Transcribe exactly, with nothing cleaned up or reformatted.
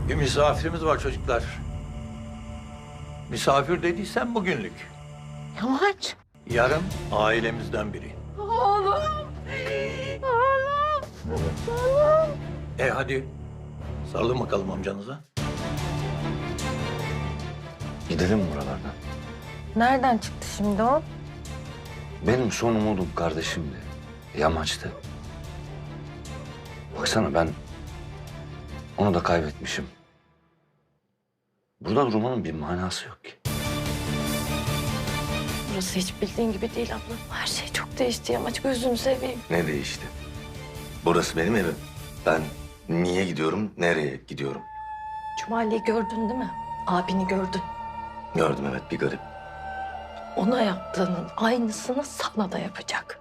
Bir misafirimiz var çocuklar. Misafir dediysen bugünlük. Yamaç. Yarın ailemizden biri. Oğlum. Oğlum. Oğlum. E hadi sarılın bakalım amcanıza. Gidelim mi buralardan? Nereden çıktı şimdi o? Benim son umudum kardeşimdi. Yamaçtı. Baksana ben onu da kaybetmişim. Burada durmanın bir manası yok ki. Burası hiç bildiğin gibi değil abla. Her şey çok değişti Yamaç. Gözünü seveyim. Ne değişti? Burası benim evim. Ben niye gidiyorum, nereye gidiyorum? Cumali'yi gördün değil mi? Abini gördün. Gördüm evet, bir garip. Ona yaptığının aynısını sana da yapacak.